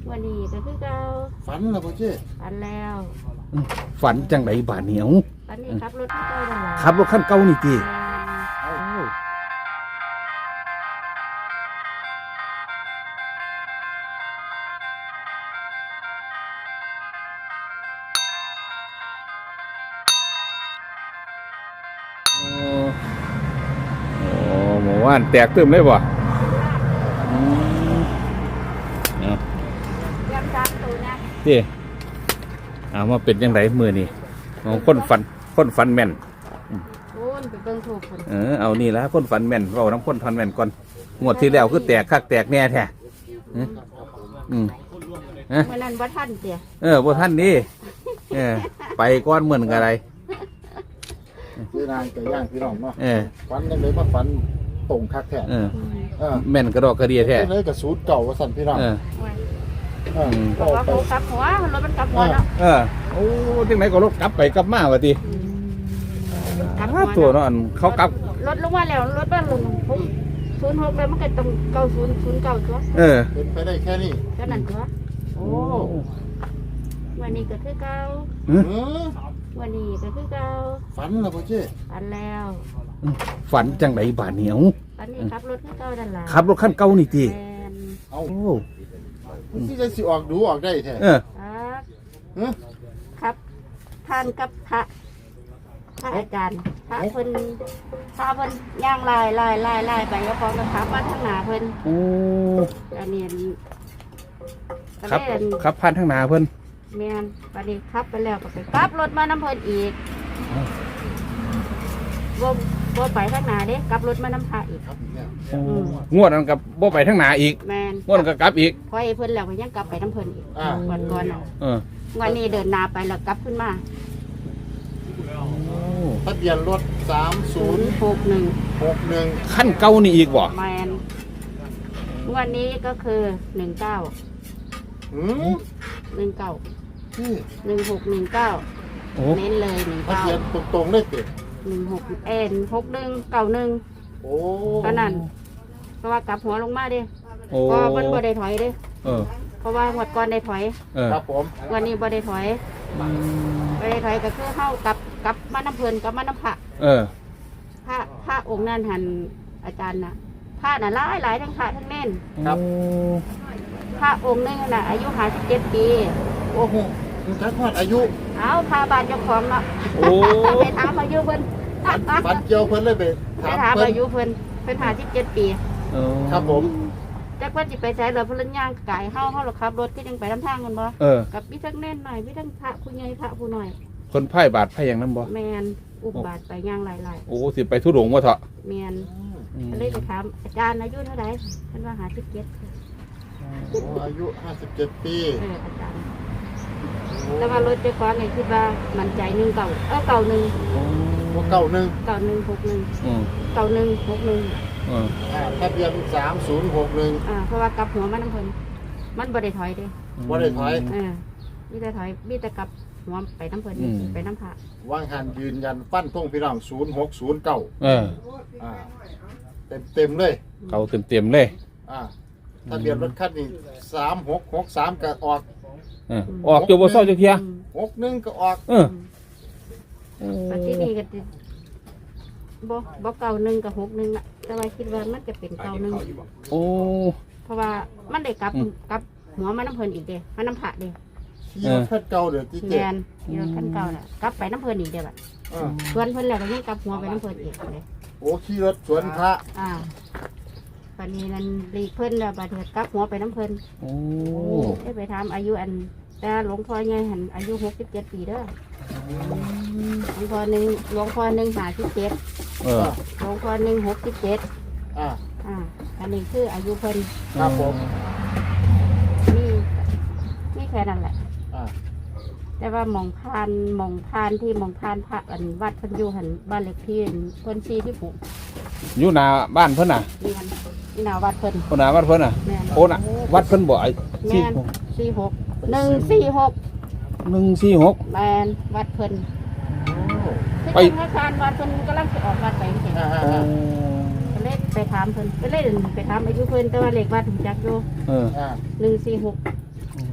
วันนี้ก็คือเก่าฝันแล้วพ่อเจ้ฝันแล้วฝันจังไดบาดเหนียวฝันนี้ขับรถที่เก่านั่นแหละขับรถคันเก่านี่ติ โอ้หมู่บ้านแตกตึมเลยบ่อืมเอายังซักตัวนะพี่เอามาเป็นยังไงมือนี่ของคนฟันแม่นโอ้ยไปเบิ่งถูกคนเอานี่ละคนฟันแม่นเราน้ำคนฟันแม่นก่อนงวดที่แล้วคือแตกคักแตกแน่แท้เมื่อนั้นบ่ทันเสียบ่ท่านนี่ไปก้อนเหมือนกันอะไรคือนางไก่ย่างพี่น้องเนาะเออฝันยังเลยมาฝันตรงคักแท้แม่นกระดอกกระเดียแท้เลยกับสูตรเก่าว่าสั่นพี่น้องบอกว่าเขากลับหัวรถมันกลับหัวเนาะโอ้จังไหนก็รถกลับไปกลับมาวะทีกลับหัวตัวเนาะอันเขากลับรถลงมาแล้วรถบ้านลง06แล้วมันก็ต้อง9009ตัวเป็นไปได้แค่นี้ก็นั่นตัวโอ้วันนี้ก็คือเก่า วันนี้ก็คือเก่าฝันแล้วพ่อเจ้ฝันแล้วฝันจังไดบาดเหนียวฝันนี้ขับรถคือเก่านั่นล่ะขับรถคันเก่านี่ตีแม่นเอาที่จะสิออกดูออกได้แท้ครับท่านกับพระอาจารย์พระเพิ่นย่างลายไปแล้วพร้อมกับขับมาทางหน้าเพิ่นโอ้อันนี้ก็ครับเลยครับพันทางหนาเพิ่นแม่นบัดนี้ขับไปแล้วก็ไปกลับรถมาน้ำเพิ่นอีกบ่ไปทางหน้าเด้กลับรถมาน้ำพระอีกครับอีกแล้วงวดนั้นกับบ่ไปทางหนาอีกแม่นงวดนั้นก็กลับอีกพอไอ้เพิ่นแล้วก็ยังกลับไปน้ำเพิ่นอีกวันก่อนน่ะเออวันนี้เดินหน้าไปแล้วกลับขึ้นมาทะเบียนรถ 061 3061 ขั้นเก่านี่อีกบ่แมนวันนี้ก็คือ19 19 นี่ 1619 โอ้เน้นเลยทะเบียนตรงๆเลยเต็ม 19 16 6191 โอ้ก็นั่นเพราะว่ากลับหัวลงมาเด้โอ้ก็มันบ่ได้ถอยเด้เออเพราะว่าหมดก่อนได้ถอยเออครับผมวันนี้บ่ได้ถอยบ่ได้ถอยก็คือเข้ากลับมาน้ำเพลินกลับมาน้ำพระเออพระองค์นั้นหันอาจารย์น่ะพระน่ะหลายทั้งพระทั้งเน่นครับพระองค์นึงน่ะอายุ57ปีโอ้โหมันทักฮอดอายุเอาพาบานเจ้าของเนาะโอ้ไปถามอายุเพิ่นฝันเกี่ยวเพิ่นเลยไปไปถามเพิ่นอายุเพิ่น57ปีครับผมจักว่าสิไปใช้เหลือเพิ่นย่างกายเฮาหรอกขับรถก็ยังไปนำทางกันบ่เออกับมีทั้งเน่นหน่อยมีทั้งพระผู้ใหญ่พระผู้น้อยคนไพ่บาดไพ่อย่างนั้นบ่แม่นอุบบาทไปย่างหลายโอ้สิไปทุดงว่าเถอะๆแม่นก็เลยไปถามอาจารย์อายุเท่าไหร่เพิ่นว่า57 อายุ57ปีอาจารย์แต่ว่ารถเจ้าของนี่คิดว่ามั่นใจ1เก่าเก่า1 ว่าเก่าหนึ่ง 9161 9161 ทะเบียน3061 เพราะว่ากลับหัวมันน้ำเพลินมันบ่ได้ถอยเด้บ่ได้ถอยมีแต่ถอยมีแต่กลับหัวไปน้ำเพลินไปน้ำพระวางหันยืนยันฟันธงพี่น้อง0609 เออเต็มเลยเขาเต็มเลยทะเบียนรถคันนี้3663ก็ออกออกอยู่บ่เศร้าจักเที่ย 61ก็ออกปัจจุบันก็ติบ่เก่า1กับ61น่ะแต่ว่าคิดว่ามันจะเป็นเก่า1 โอ้เพราะว่ามันได้กลับหัวมันน้ำเพลินอีกเด้มันน้ำพระเด้ขี่รถคันเก่าเด้อที่แมเจ็ดนอยู่ขั้นเก่าน่ะกลับไปน้ำเพลินอีกเด้บัดเพื่อนเพิ่นแล้วก็ยังกลับหัวไปน้ำเพลินอีกเลยโอ้ขี่รถสวนพระปันนี้นั่นรีเพิ่นแล้วบัดเถิดกลับหัวไปน้ำเพลินโอ้ได้ไปถามอายุอันแต่หลวงพ่อไงหันอายุ67 ปีเด้อหลวงพ่อหนึ่ง57หลวงพ่อหนึ่ง67อันนี้คืออายุเพิ่นครับผมนี่แค่นั้นแหละแต่ว่าหมองพานพระอันวัดเพิ่นอยู่หันบ้านเล็กที่เพิ่นซีที่ผูกอยู่หน้าบ้านเพิ่นน่ะนี่มันนี่นาวัดเพิ่นคนหน้าบ้านเพิ่นน่ะแม่นโอ้น่ะวัดเพิ่นบ่ไอ้แม่น146 146 แม่นวัดเพิ่นไปไปธนาคารวัดเพิ่นกำลังสิออกวัดไปจังซี่ก็เลยไปถามเพิ่นก็เลยไปถามอายุเพิ่นแต่ว่าเลขวัดถึงจักอยู่146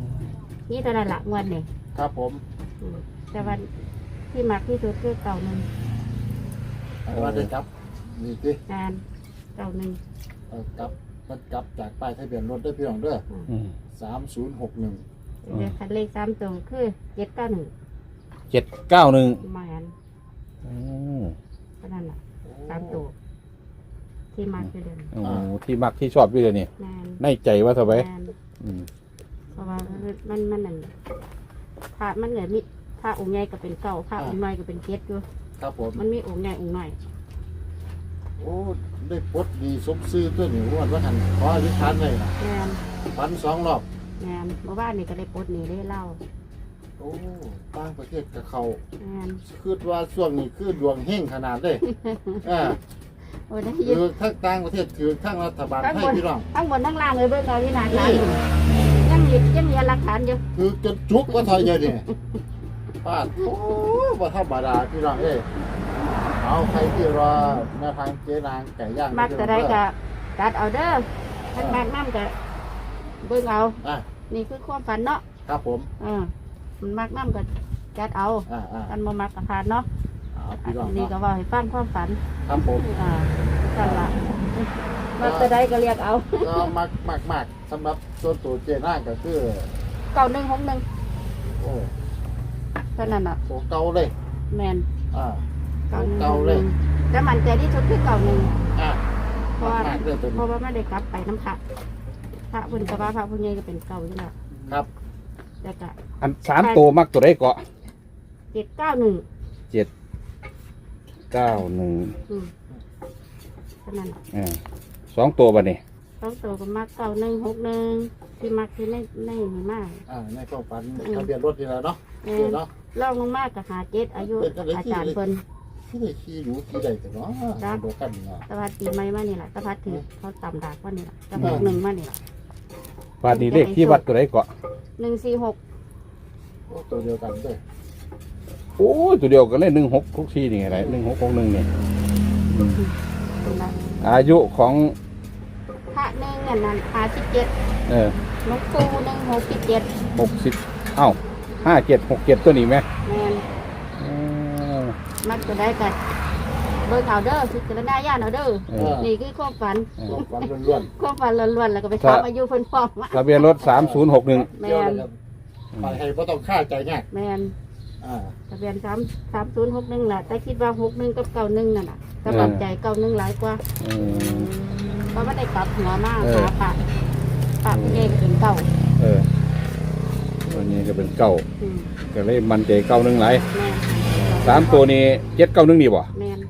นี่เท่านั้นละงวดนี่ครับผมแต่วันที่มักที่สุดคือเก่าหนึ่งว่าได้ครับนี่สิงานเก่าหนึ่งกลับมันกลับจากป้ายทะเบียนรถได้พี่น้องเด้ออืม 3061 เดี๋ยวคันเลข3ตัวคือ791 791 มาหันอืมเท่านั้นละ3ตัวที่มักคือเดิมโอ้ที่มักที่ชอบด้วยนี่งานในใจว่าเท่าไหร่งานอืมเพราะว่ามันนั่นพระมันเหนือมีพระองค์ใหญ่ก็เป็นเก่าพระองค์น้อยก็เป็นเจ็ดอยู่ครับผมมันมีองค์ใหญ่องค์น้อยโอ้ได้ปลดดีสมซื่อตัวนี้ว่าหันขออธิษฐานเลยนะงานฝัน2 รอบงานเมื่อวานนี่ก็ได้ปลดหนีได้เล่าโอ้ต่างประเทศกับเขางานคือว่าช่วงนี้คือดวงเฮงขนาดเลยอ่าโอ้ได้ยิถืนอทั้งต่างประเทศถือทั้งรัฐบาลทั้งไทบยนพี่น้องทั้งบนทั้งล่างเลยเบิ่งเอาที่หนาตาอยู่ยังมีหลักฐานอยู่คือจนจุกว่าถอยเยอะเนี่ยปาดโอ้ว่าธรรมดาพี่น้องเอ้ยเอาใครที่รอแนวทางเจ๊นางไก่ย่างมักจะได้ก็ตัดเอาเด้อทั้งมากน้ำก็เบิ่งเอาอ่ะนี่คือความฝันเนาะครับผมมันมักน้ำก็จัดเอาอ่ากันบ่มักก็ผ่านเนาะเอาอัพี่น้องนนี้ก็เนาะว่าให้ฟังความฝันครับผมกันละมักจะได้ก็เรียกเอาก็มากสำหรับส่วนตัวเจ๊นางก็คือ 9161 โอ้เท่านั้นอ่ะโหเก่าเลยแมนอ่าเก่าเก่าเลยแต่มันใจที่สุดคือ91 อ่ะเพราะว่ามากเลยตัวเพนี้ราะว่าไม่ได้กลับไปน้ำพระพระพุ่นกระบาพระพุ่นใหญ่ก็เป็นเก่าอยู่แล้วครับแต่ก็อัน3ตัวมักตัวใดเกาะ 791 791 อืมเท่านั้นน่ะ 2ตัวบัดนี้ต้องตัวก็มัก9161ที่มักที่ในนี่มากในความฝันทะเบียนรถนี่แหละเนาะเจ๊เนาะล่องลงมากกับหาเจ็ดอายุอาจารย์เพิ่นที่ได้ขี่หนูขี่ใดแต่เนาะโดกันเนาะตะพัดปีใหม่มานี่แหละตะพัดถือเขาต่ำดากว่านี่แหละตะพัด1มานี่แหละบาดนี้เลขที่วัดตัวใดเกาะ 146 โอ้ตัวเดียวกันด้วยโอ้ยตัวเดียวกันเลย16ทุกทีนี่ไงไร1661นี่เป็นไรอายุของพระหนึ่งอันนั้น57 เออหลวงปู่167 60เอ้า5767ตัวนี้ไหมแม่นมักจะได้กันเบิ่งเอาเด้อพิจารณาญาณเอาเด้อ นี่คือความฝันความล้วนความฝันล้วนๆแล้วก็ไปถามอายุเพิ่นพร้อมว่าทะเบียนรถ3061 ๆแม่เกี่ยวน เลยครับไปให้บ่ต้องค่าใจยากแม่นอ่าทะเบียน3061ล่ะแต่คิดว่า61กับ91นั่นน่ะกำลังใจ91หลายกว่าอืมเพราะว่าได้กลับหัวมากเออหาปะเองเป็นเก่าเออตัวนี้ก็เป็นเก้าอืมก็เลยมันใจเก้าหนึ่งหลายแม่น 3ตัวนี้791นี่บ่แม่น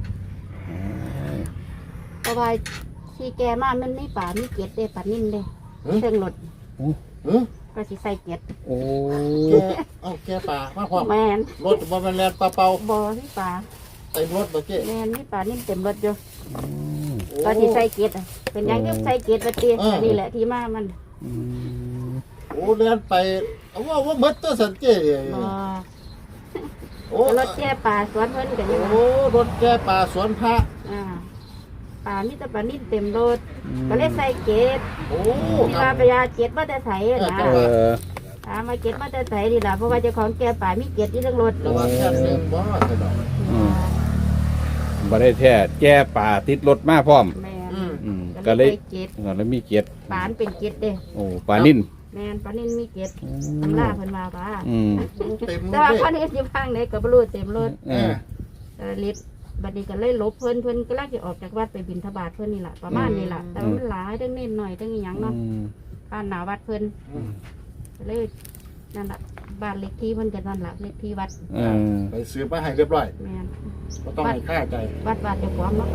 เพราะว่าที่แกมามันไม่ป่ามีเกียรติเด้ป่านิ่มเด้เครื่องรถเฮ้ยก็สิใส่เกียรติโอ้แกป่ามาพร้อมแม่นรถบ่แม่นแล่นเปล่าบ่ที่ป่าๆเต็มรถบ่เจ๊แม่นมีป่านิ่มเต็มรถอยู่อืมก็สิใส่เกียรติอะเป็นหยังก็ใส่เกียรติว่าติอันนี่แหละที่มามันอืมโอ้แล่นไปเอาว่าหมดตัวสันเจ๊บ่โอ้รถแก่ป่าสวนเพิ่นก็ยังโอ้รถแกป่าสวนพระป่ามีแต่ป่านิ่มเต็มรถก็เลยใส่เกียรติโอ้ที่ครัว่าบไปยาเกียรติมาแต่ไสนะเออถามมาเก็บมาแต่ใส่ดีล่ะเพราะว่าเจ้าของแก่ป่ามีเก็บที่เรื่องรถระวังแค่นึงบ่กระดอกบ่ได้แท้แก้ป่าติดรถมาพร้อมแมนอืมก็ก็เลเลย ยเก็บแล้วมีเกียรติป่านเป็นเก็บเด้โอ้ปลานิ่นแมนปลานิ่นมีเก็บตำราเพิ่นว่าป่าอืมเต็มแต่เลว่าย ปลานิ่นอยู่ข้างไหนก็บ่รู้เต็มรถเออลิฟต์บัดนี้ก็เลยลบเพิ่นก็ลังสิออกจากวัดไปบิณฑบาตเพิ่นนี่ล่ะประมาณนี้ล่ะแต่ว่ามันหลายทั้งเน้นหน่อยทั้งอีหยังเนาะอืมบ้านหน้าวัดเพิ่นก็เลยนั่นล่ะบ้านเล็กที่เพิ่นก็นั่นล่ะเล็กที่วัดเออไปซื้อมาให้เรียบร้อยแม่นก็ต้องให้ค่าใจวัดเจ้าของเนาะ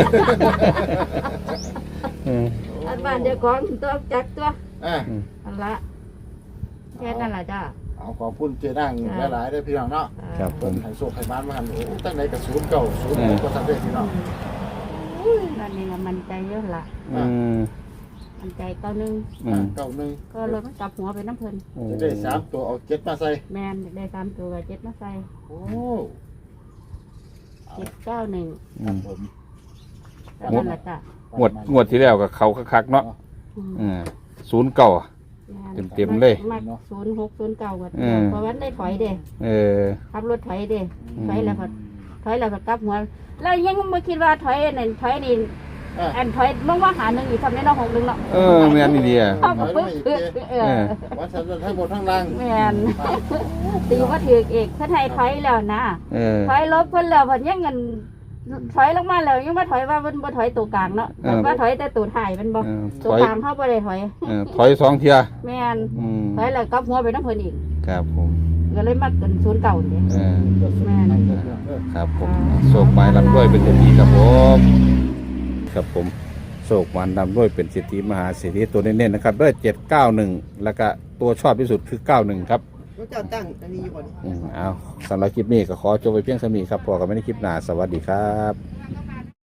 เอออันบ้านเจ้าของตัวจักตัวอ่ะอันละแค่นั้นล่ะจ้าเอาขอบคุณเจนั่งหลายๆด้วยพี่น้องเนาะครับผเพิ่นมให้โชคให้บ้านมาหันโอ้ตั้งไหนกับศูนย์เก่าศูนย์ก็ทำได้พี่น้องนั่นนี่ละมันใจเยอะละอืมมันใจเก้านึงอืมเก่าหนึ่งก็เลยมันกลับหัวไปน้ำเพลินโอ้จะได้3ตัวเอา7มาใส่แมนได้3ตัวกับ7มาใส่โอ้ 791 ครับผมแล้วนั่นละจ้ะงวดที่แล้วกับเขาคักๆเนาะอืมอืม09 เต็มๆเลยมัก0609ก็อืมเพราะว่าได้ถอยเด้เออขับรถถอยเด้อืมถอยแล้วก็กลับหัวแล้วยังบ่คิดว่าถอยนั่นถอยนี่เอออันถอยลงว่าหาหนึ่งอีกทำได้น้อง6นึงเนาะเออแม่นอีเดียเอาก็ปึ๊บว่าฉันจะทั้งหมดทั้งล่างแม่นตีว่าถือเอกเพิ่นให้ถอยแล้วนะเออถอยลบเพิ่นแล้วเพิ่นยังเงินถอยลงมาแล้วยังมาถอยว่าเพิ่นบ่ถอยตัวกลางเนาะเออว่าถอยแต่ตัวท้ายมันบ่เออตัวถอยกลางเขาบ่ได้ถอยถอยสองเทียแม่นอืมถอยแล้วกลับหัวไปนำเพิ่นอีกครับผมก็เลยมากันศูนย์เก่านี่เออแม่นครับผมโศกไม้ลำด้วยเป็นเศรษฐีครับผมครับผมโศกมันลำด้วยเป็นเศรษฐีมหาเศรษฐีตัวเน้นๆนะครับด้วย791แล้วก็ตัวชอบที่สุดคือ91ครับรู้จักตั้งอันนี้อยู่ก่อนเอาสำหรับคลิปนี้ก็ขอจบไปเพียงเท่านี้ครับพอกันไม่ได้คลิปหน้าสวัสดีครับ